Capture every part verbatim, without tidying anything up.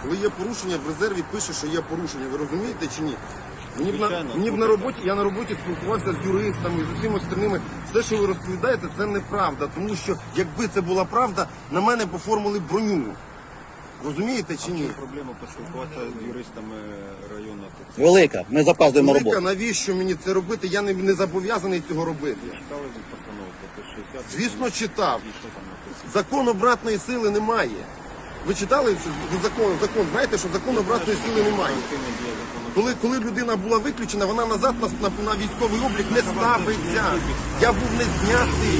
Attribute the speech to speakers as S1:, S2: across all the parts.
S1: Коли є порушення, в резерві пише, що є порушення. Ви розумієте чи ні? Мені б на,
S2: Звичайно,
S1: мені б на роботі, я на роботі спілкувався з юристами, з усіма остальними. Все, що ви розповідаєте, це неправда. Тому що, якби це була правда, на мене б оформили броню. Розумієте чи ні?
S2: Проблема поспілкуватися з юристами району.
S3: Велика, ми запаздуємо на
S1: Велика,
S3: роботу.
S1: навіщо мені це робити? Я не, не зобов'язаний цього робити.
S2: Читали ви постанову про шістдесят?
S1: Звісно, читав.
S2: І що там написано?
S1: Закон обратної сили немає. Ви читали що закон? Закон знаєте, що закон обратної сили немає. Коли, коли людина була виключена, вона назад на, на, на військовий облік не ставиться. Я був не знятий.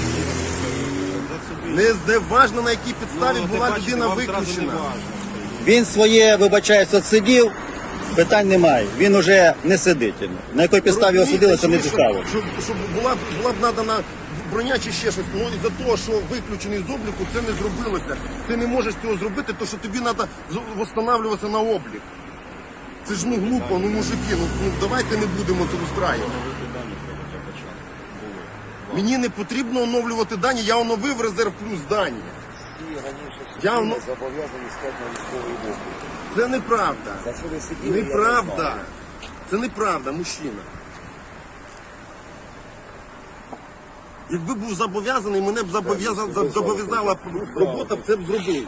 S1: Не, не важно, на якій підставі
S2: Ну,
S1: була
S2: ти бачите,
S1: людина
S2: вам зразу
S1: виключена.
S2: не важно.
S3: Він своє, вибачаюся, сидів, питань немає. Він уже не сидить. На якій підставі його судили, це не
S1: Розумієте,
S3: цікаво.
S1: Щоб, щоб, щоб була, була б надана броня чи ще щось. Ну і за того, що виключений з обліку, це не зробилося. Ти не можеш цього зробити, тому що тобі треба встановлюватися на облік. Це ж ну глупо, ну мужики, ну, ну давайте не будемо це устраювати. Мені не потрібно оновлювати дані, я оновив резерв плюс дані. Я оно...
S4: зобов'язані стати на військовий облік.
S1: Це неправда.
S4: За що ви сиділи, я не
S1: Неправда.
S4: знаю.
S1: Це неправда, мужчина. Якби був зобов'язаний, мене б зобов'язала зобов'язала робота, б це б зробив.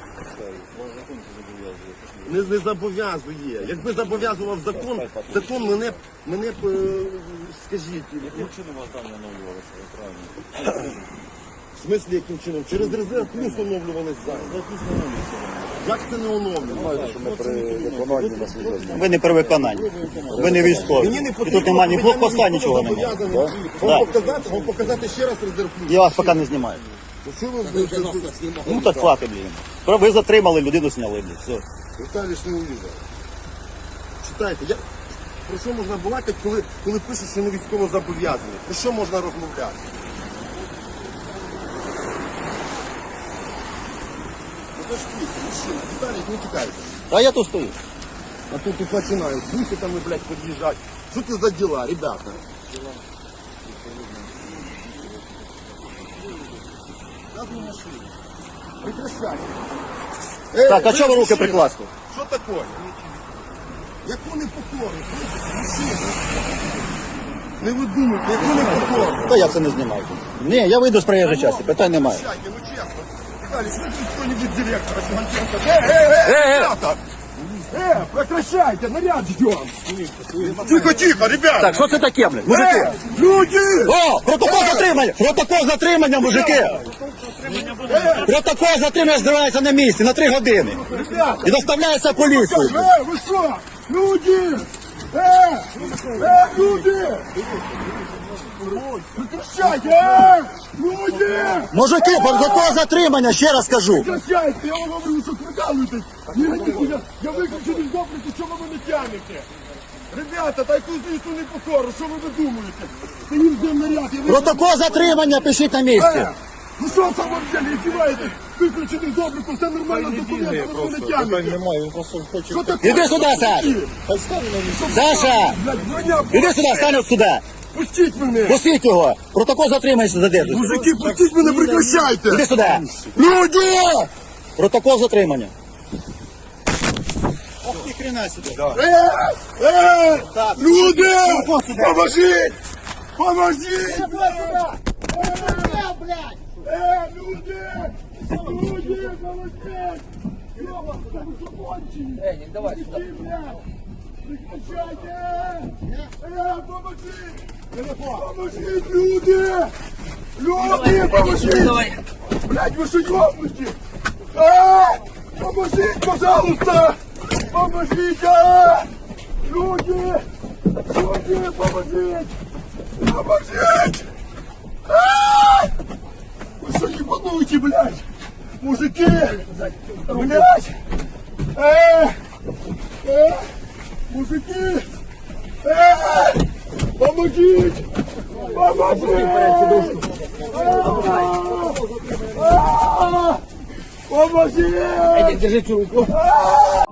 S1: Не, не зобов'язує. Якби зобов'язував закон, закон мене, б- мене б, е, скажіть,
S2: Яким чином вас дані оновлювалися? Правильно.
S1: в смислі яким чином? Через резерв плюс оновлювались зараз. Як це не оновлювалося?
S4: Знаєте, що ми при виконанні на свідоцтві.
S3: Ви не при виконанні. Ви не військові.
S1: Мені не
S3: І
S1: потрібно,
S3: тут немає ні
S1: я
S3: блокпоста,
S1: не
S3: нічого немає.
S1: зобов'язаний.
S3: Да.
S1: Вам показати, вам показати ще раз резерв плюс.
S3: Я вас поки не знімаю.
S1: Що ви
S3: Ну так хватить, блін. Ви затримали, людину зняли, блін. Все.
S1: Віталій ж не увидав. Читайте, я... про що можна балакати, коли, коли пишуть, що не військово зобов'язані? Про що можна розмовляти? Ну це ж квіти, мужчина, Віталій, не тікайте.
S3: А я тут стою.
S1: А тут і починають, буси там, блядь, під'їжджати. Що це за діла, ребята? Как вы нашли? Прекращайте. Эй,
S3: Так, а чого ви руки
S1: мужчина,
S3: прикласти?
S1: Що таке? Яку непокору? Мужчина. Не видумуйте, яку непокору?
S3: Та я це не знімаю. Ні, я вийду з проїжджої частини, питань немає.
S1: Прекращайте, ну честно. Виталий, смотри, кто-нибудь директора Симонченко. Э, э, э, ребята! Э, прекращайте, наряд ждем. Тихо, тихо, ребята!
S3: Так, що це таке, блін? Мужики!
S1: Э, люди!
S3: О, протокол затримання! Протокол затримання, мужики! Протокол затримання збирається на місці на три години.
S1: Ребята!
S3: І доставляється поліцією.
S1: Э, вы что? Люди! Э, э, люди! Прекращайте, э, люди!
S3: Мужики, протокол затримання, ще раз кажу.
S1: Прекращайте, я вам говорю, що прикалуєтесь. Ні, я, я виключений з обліку, що ви мене тянете? Ребята, та яку злісну непокору, що ви видумуєте? Стоїм з наряд, я виключений.
S3: Протокол затримання пишіть на місці.
S1: Е, ну що це ви взяли, здіваєтесь? Виключений з обліку, все нормально з документами, ви мене тянете.
S2: Немає, він просто хоче...
S1: Що таке?
S3: Іди сюди, Саш. Саша,
S1: Блядь, броня,
S3: іди сюди, стань от сюди.
S1: пустіть мене!
S3: Пустіть його. Протокол затримання задержується.
S1: Мужики, пустіть мене, прекращайте!
S3: Іди сюди.
S1: Люди!
S3: Протокол затримання. Ох, ні хрена собі.
S1: Е, е, люди! Поможіть! Поможіть! Е, люди! Люди, поможіть! Ёбаный, вы что, конченые? Эй, не давай сюда. Прекращайте! Э, поможите! Поможите, люди! Люди, поможите! Блядь, вы что, ёбнуте? А! Поможите, пожалуйста! Поможите! Люди! Люди, поможите! Поможите! А! Вы что, ебануете, блядь? Мужики! Блядь! Э! Э! Мужики! Э! Помогите! Помогите! А! А! Помогите!
S5: Держите руку.
S1: А!